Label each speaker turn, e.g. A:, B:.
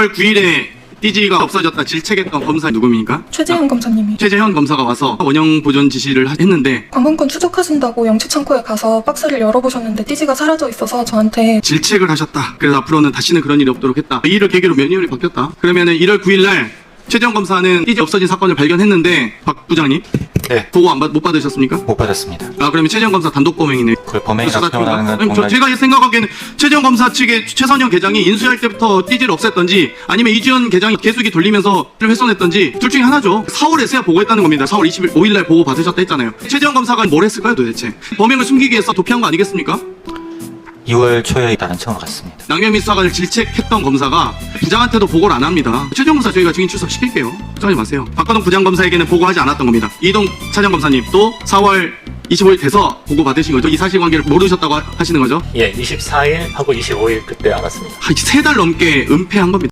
A: 2월 9일에 띠지가 없어졌다 질책했던 검사 누구입니까?
B: 최재현 검사님이
A: 최재현 검사가 와서 원형 보존 지시를 했는데
B: 관광권 추적하신다고 영치창고에 가서 박스를 열어보셨는데 띠지가 사라져 있어서 저한테
A: 질책을 하셨다. 그래서 앞으로는 다시는 그런 일이 없도록 했다. 이 일을 계기로 면회율이 바뀌었다. 그러면은 1월 9일 날 최재현 검사는 띠지 없어진 사건을 발견했는데 박 부장님
C: 네,
A: 보고 못 받으셨습니까?
C: 못 받았습니다.
A: 아 그러면 최재현 검사 단독 범행이네.
C: 그걸 범행이라고 표현하는 건
A: 아니,
C: 정말
A: 제가 생각하기에는 최재현 검사 측의 최선영 계장이 인수할 때부터 띠지를 없앴던지 아니면 이주연 계장이 개수기 돌리면서 훼손했던지 둘 중에 하나죠. 4월에서야 보고했다는 겁니다. 4월 25일 날 보고 받으셨다 했잖아요. 최재현 검사가 뭘 했을까요 도대체? 범행을 숨기기 위해서 도피한 거 아니겠습니까?
C: 2월 초에 다른 처음 갔습니다.
A: 낭면미 수사관을 질책했던 검사가 부장한테도 보고를 안 합니다. 최재형 검사 저희가 증인 출석시킬게요. 걱정하지 마세요. 박관동 부장검사에게는 보고하지 않았던 겁니다. 이동 차장검사님 또 4월 25일 돼서 보고 받으신 거죠? 이 사실관계를 모르셨다고 하시는 거죠?
D: 예, 24일 하고 25일 그때 알았습니다.
A: 한 3달 넘게 은폐한 겁니다.